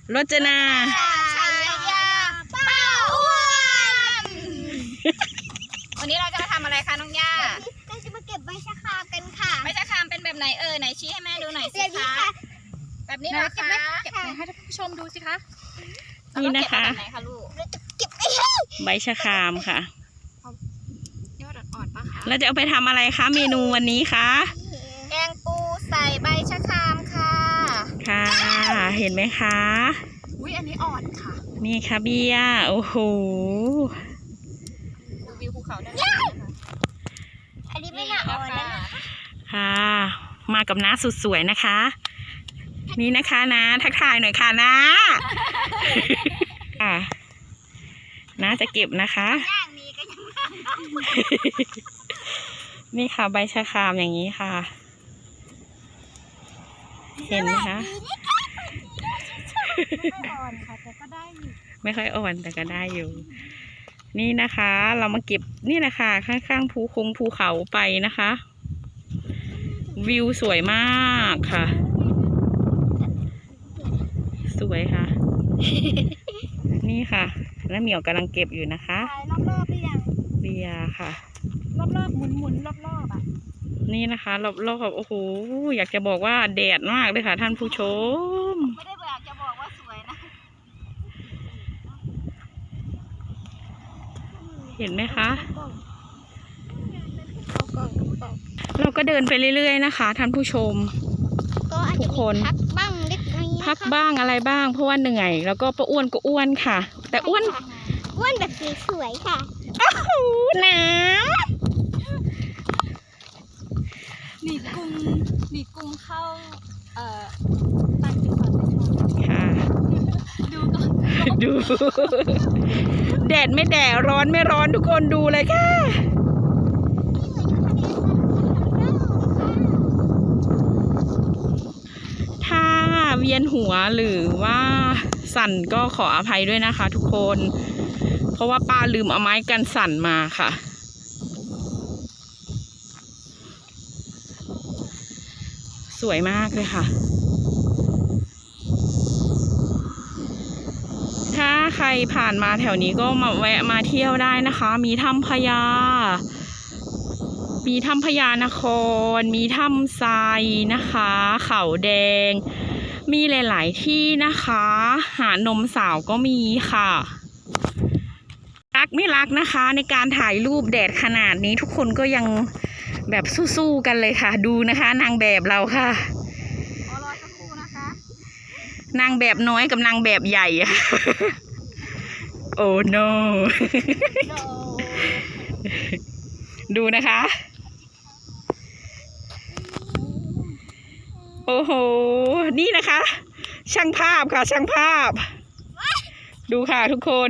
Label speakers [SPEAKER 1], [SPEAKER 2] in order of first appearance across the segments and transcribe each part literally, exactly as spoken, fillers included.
[SPEAKER 1] รจนา
[SPEAKER 2] ชัยยาป้าอ้วนวันนี้เราจะมาทำอะไรคะน้องย่าเราจะมาเก็บใบชะครามกันค่ะใบชะครามเป็นแบบไหนเออไหนชี้ให้แม่ดูหน่อยสิคะแบบนี้นะคะเก็บให้ท่านผู้ชมดูสิคะ
[SPEAKER 1] นี่นะคะ
[SPEAKER 2] ไหนคะลูก
[SPEAKER 1] ใบชะครามค่ะ
[SPEAKER 2] ยอดอ่อนๆปะคะ
[SPEAKER 1] แล้วจะเอาไปทำอะไรคะเมนูวันนี้คะ
[SPEAKER 2] แกงปูใส่ใบชะครามค่ะ
[SPEAKER 1] ค่ะเห็นไหมคะ
[SPEAKER 2] อุ้ยอันนี้อ่อนค่ะ
[SPEAKER 1] นี่ค่ะเบียร์โอ้โห
[SPEAKER 2] ดูวิวภูเขาได้ไหมอันนี้ไม่น่าอ่อนนะ
[SPEAKER 1] ค่ะมากับน้าสุดสวยนะคะนี่นะคะนะทักทายหน่อยค่ะนะค่ะน้าจะเก็บนะคะนี่ค่ะใบชะครามอย่างนี้ค่ะเห็นไหมคะ
[SPEAKER 2] ไม่อ่อนค่ะแต่ก็ได้อยู่
[SPEAKER 1] ไม่ค่อยอ่อนแต่ก็ได้อยู่นี่นะคะเรามาเก็บนี่แหละค่ะข้างๆภูคงภูเขาไปนะคะวิวสวยมากค่ะสวยค่ะนี่ค่ะแล้วเหมียวกำลังเก็บอยู่นะคะ
[SPEAKER 2] รอบๆหรือยัง
[SPEAKER 1] เบียร์ค่ะ
[SPEAKER 2] รอบๆหมุนๆรอบๆอ่ะ
[SPEAKER 1] นี่นะคะรอบๆโอ้โหอยากจะบอกว่าแดดมากเลยค่ะท่านผู้ชม
[SPEAKER 2] ไม่ได้อยากจะบอกว่าสวยนะ
[SPEAKER 1] เห็นไหมคะเราก็เดินไปเรื่อยๆนะคะท่านผู้ชมทุกคน
[SPEAKER 2] พักบ้างเล็กน้อย
[SPEAKER 1] พักบ้างอะไรบ้างเพราะว่าเหนื่อยแล้วก็ป้าอ้วนก็อ้วนค่ะแต่อ้วน
[SPEAKER 2] อ้วนแบบสวยๆค่ะ
[SPEAKER 1] โอ้โหน้
[SPEAKER 2] ำหนีกุ้งหนีกุ้งเข้าเอ่อตั้งจุดก่อน
[SPEAKER 1] ค่ะ
[SPEAKER 2] ดูก่อน
[SPEAKER 1] ดูแดดไม่แดดร้อนไม่ร้อนทุกคนดูเลยค่ะถ้าเวียนหัวหรือว่าสั่นก็ขออภัยด้วยนะคะทุกคนเพราะว่าป้าลืมเอาไม้กันสั่นมาค่ะสวยมากเลยค่ะถ้าใครผ่านมาแถวนี้ก็มาแวะมาเที่ยวได้นะคะมีถ้ำพญามีถ้ำพญานครมีถ้ำทรายนะคะเขาแดงมีหลายๆที่นะคะหาดนมสาวก็มีค่ะรักไม่รักนะคะในการถ่ายรูปแดดขนาดนี้ทุกคนก็ยังแบบสู้ๆกันเลยค่ะดูนะคะนางแบบเราค่ะ
[SPEAKER 2] รอสักครู่นะคะ
[SPEAKER 1] นางแบบน้อยกับนางแบบใหญ่อะโอ้ no ดูนะคะโอ้โหนี่นะคะช่างภาพค่ะช่างภาพดูค่ะทุกคน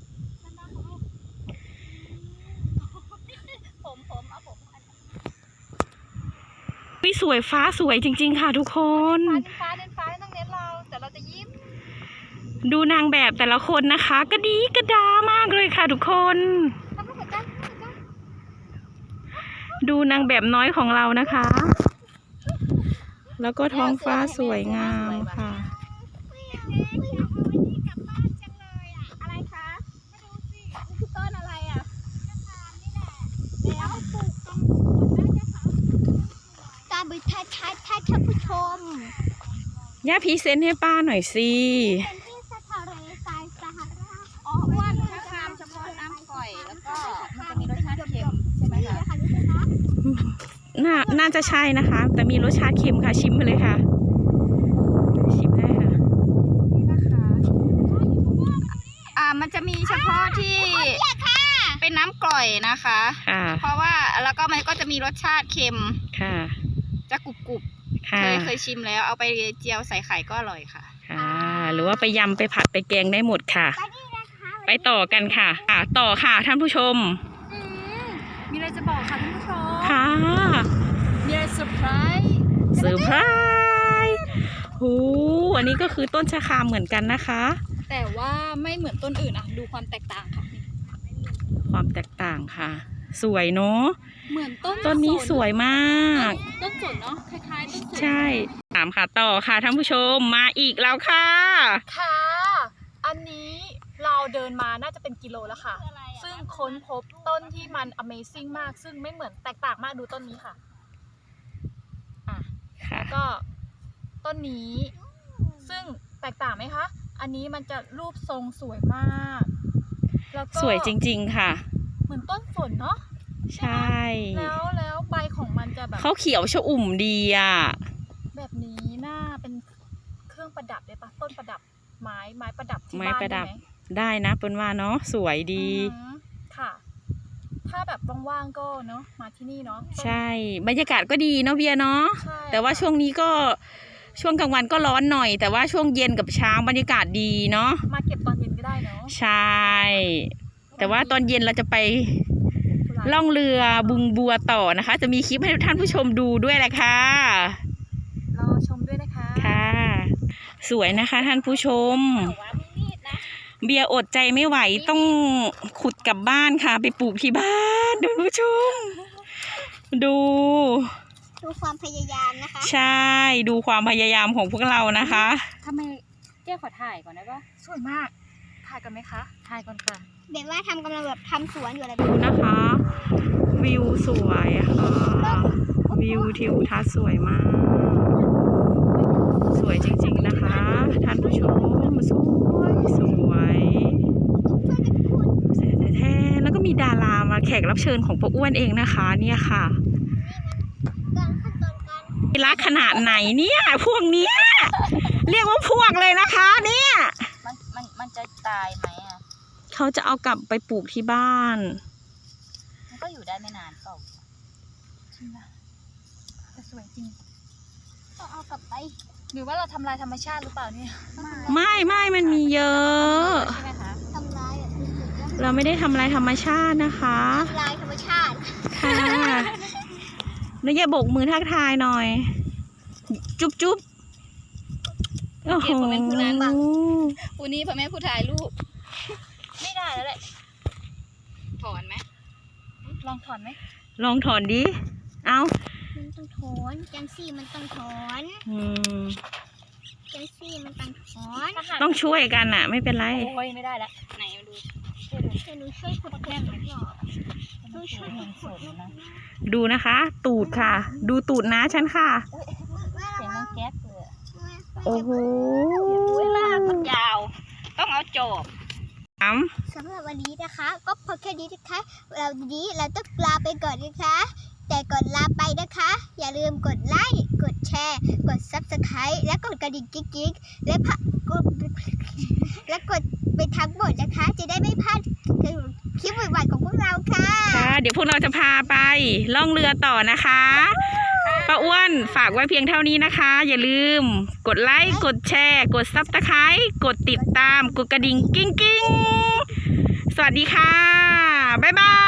[SPEAKER 1] วิสวยฟ้าสวยจริงๆค่ะทุกคน
[SPEAKER 2] ฟ้าเน้นฟ้าต้องเน้นเราแต่เราจะยิ้ม
[SPEAKER 1] ดูนางแบบแต่ละคนนะคะก็ดีกระดามากเลยค่ะทุกคนดูนางแบบน้อยของเรานะคะแล้วก็ท้องฟ้าสวยงามค่ะ
[SPEAKER 2] อะไรคะมาดูสิคือต้นอะไรอ่ะแล้วปลูกตรงตาบิทัดทัดทัดท่านผู้ชม
[SPEAKER 1] ย่าพรีเซนต์ให้ป้าหน่อยสิ
[SPEAKER 2] เป็นที่สะทะเลทรายสหราชอ๋อว่าชะครามเฉพาะน้ำก่อยแล้วก็มันจะมีรสชาติเค็มใช่ไหมคะ
[SPEAKER 1] น่าน่าจะใช่นะคะแต่มีรสชาติเค็มค่ะชิมไปเลยค่ะชิมได้ค่ะ
[SPEAKER 2] นี่นะคะอ่ามันจะมีเฉพาะที่เป็นน้ำกร่อยนะคะเพราะว่าแล้วก็มันก็จะมีรสชาติเค็ม
[SPEAKER 1] ค่ะ
[SPEAKER 2] จะกรุบกรุบเคยเคยชิมแล้วเอาไปเจียวใส่ไข่ก็อร่อยค่ะ
[SPEAKER 1] ค่ะหรือว่าไปยำไปผัดไปแกงได้หมดค่ะไปต่อกันค่ะต่อค่ะท่านผู้ชม
[SPEAKER 2] มีอะไรจะบอกค่ะท่านผู้ชม
[SPEAKER 1] ค่ะ
[SPEAKER 2] มีอะไรเซอร์ไพรส์
[SPEAKER 1] เซอร์ไพรส์โอ้อันนี้ก็คือต้นชะครามเหมือนกันนะคะ
[SPEAKER 2] แต่ว่าไม่เหมือนต้นอื่นอ่ะดูความแตกต่างค่ะ
[SPEAKER 1] ความแตกต่างค่ะสวยเนาะ
[SPEAKER 2] เหมือนต้น
[SPEAKER 1] ต้นนี้สวยมาก
[SPEAKER 2] ต้นสนเนาะคล้ายๆต้นสน
[SPEAKER 1] ใช่ถามค่ะต่อค่ะท่านผู้ชมมาอีกแล้วค่ะ
[SPEAKER 3] ค่ะ อันนี้เราเดินมาน่าจะเป็นกิโลแล้วค่ะ ซึ่งค้นพบต้นที่มัน Amazing มาก ซึ่งไม่เหมือนแตกต่างมากดูต้นนี้ค่ะ อ่ะ
[SPEAKER 1] ค่ะ
[SPEAKER 3] แล้วก็ต้นนี้ ซึ่งแตกต่างไหมคะ อันนี้มันจะรูปทรงสวยมาก แล้วก็
[SPEAKER 1] สวยจริงๆค่ะ
[SPEAKER 3] เหมือนต้นฝนเนาะ
[SPEAKER 1] ใช่
[SPEAKER 3] แล้วแล้วใบของมันจะแบบ
[SPEAKER 1] เขาเขียวชอุ่มดีอ่ะ
[SPEAKER 3] แบบนี้น่าเป็นเครื่องประดับเลยปะต้นประดับไม้ไม้ประดับที่
[SPEAKER 1] ไม้
[SPEAKER 3] บ้าน
[SPEAKER 1] ประดับ
[SPEAKER 3] ได้ไหม
[SPEAKER 1] ได้นะเป็นว่าเนาะสวยดี
[SPEAKER 3] อือหือค่ะ ถ้าแบบว่างๆก็เนาะมาที่นี่เนาะ
[SPEAKER 1] ใช่บรรยากาศก็ดีเนาะเบียร์เนาะ
[SPEAKER 3] ใช่
[SPEAKER 1] แต่ว่าช่วงนี้ก็ช่วงกลางวันก็ร้อนหน่อย แต่ว่าช่วงเย็นกับเช้าบรรยากาศดีเนาะ
[SPEAKER 3] มาเก็บตอนเย็นก็ได้เนาะ
[SPEAKER 1] ใช่ แต่ว่าตอนเย็นเราจะไปล่องเรือบึงบัวต่อนะคะ จะมีคลิปให้ท่านผู้ชมดูด้วยแหละค่ะ
[SPEAKER 3] รอชมด้วยนะคะ
[SPEAKER 1] ค่ะ สวยนะคะท่านผู้ชม เบียร์อดใจไม่ไหวต้องขุดกลับบ้านค่ะ ไปปลูกที่บ้านท่านผู้ชม ดู
[SPEAKER 2] ดูความพยายามนะคะ
[SPEAKER 1] ใช่ดูความพยายามของพวกเรานะคะ
[SPEAKER 4] ทำไมเจ๊ขอถ่ายก่อนได้ปะ
[SPEAKER 3] สวยมาก ถ่ายกันไหมคะ
[SPEAKER 4] ถ่ายก่อนค่ะ
[SPEAKER 2] แบบว่าทำกำลังแบบทำสวนอยู่อะไร
[SPEAKER 1] ดูนะคะ วิวสวยค่ะวิวทิวทัศน์สวยมาก สวยจริงๆนะคะท่านผู้ชมสวยสวยแท้ๆแล้วก็มีดารามาแขกรับเชิญของป้าอ้วนเองนะคะ เนี่ยค่ะ
[SPEAKER 2] การขั้นตอนการ
[SPEAKER 1] รักขนาดไหนเนี่ยพวกเนี้ยเรียกว่าพวกเลยนะคะเนี่ย
[SPEAKER 4] มันมันมันจะตายไหมอ่ะ
[SPEAKER 1] เขาจะเอากลับไปปลูกที่บ้าน
[SPEAKER 4] มันก็อยู่ได้ไม่นานเปล่า
[SPEAKER 3] จริงนะแต่สวยจริง
[SPEAKER 2] ต้องเอากลับไป
[SPEAKER 3] หรือว่าเราทำลายธรรมชาติหรือเปล่าเนี่ย
[SPEAKER 1] ไม่ไม่มันมีเยอะ
[SPEAKER 4] ใช่ไหมคะ
[SPEAKER 2] ทำลายแบบนี้แล้ว
[SPEAKER 1] เราไม่ได้ทำลายธรรมชาตินะคะ
[SPEAKER 2] ทำลายธรรมชาติ
[SPEAKER 1] ค่ะแล้วอย่าโบกมือทักทายหน่อย จุ๊บจุ๊บโอ้โห
[SPEAKER 2] วันนี้พ่อแม่ผู้ถ่ายรูป
[SPEAKER 3] ไม่ได้แล้วแหละ
[SPEAKER 2] ถอนไหม
[SPEAKER 3] ลองถอนไหม
[SPEAKER 1] ลองถอนดิ เอา
[SPEAKER 2] มันต้องถอนจังซี่มันต้องถอน
[SPEAKER 1] อืม
[SPEAKER 2] จังซี่มันต้องถอน
[SPEAKER 1] ต้องช่วยกันอ่ะ ไม่เป็นไร
[SPEAKER 3] โอ้ยไม่ได้แล้ว
[SPEAKER 2] ไหนมาดูช่วยหนูช่วยขุดแก้มหน่อยหนูช่วยขุดขุดนะ
[SPEAKER 1] ดูนะคะ ตูดค่ะ ดูตูดนะฉันค่ะ
[SPEAKER 4] เสียงมันแก๊สเลยอะ
[SPEAKER 1] โอ้โห
[SPEAKER 4] อุ้ยลากมันยาว ต้องเอาจอบ
[SPEAKER 1] อ้
[SPEAKER 2] สำหรับวันนี้นะคะ ก็พอแค่นี้นะคะ เราวันนี้เราต้องลาไปก่อนนะคะ แต่ก่อนลาไปนะคะ อย่าลืมกดไลค์กดแชร์ กด ซับสไครบ์ และกดกระดิ่งกิ๊กๆและพะกดและกดไปทั้งหมดนะคะ จะได้ไม่พลาดคลิปใหม่ๆของพวกเราค่ะ
[SPEAKER 1] ำค่ะ เดี๋ยวพวกเราจะพาไปล่องเรือต่อนะคะป้าอ้วนฝากไว้เพียงเท่านี้นะคะ อย่าลืม กดไลค์ กดแชร์ กดซับสไครต์กดติดตาม กดกระดิ่งกิ้งกิ้งสวัสดีค่ะ บ๊ายบาย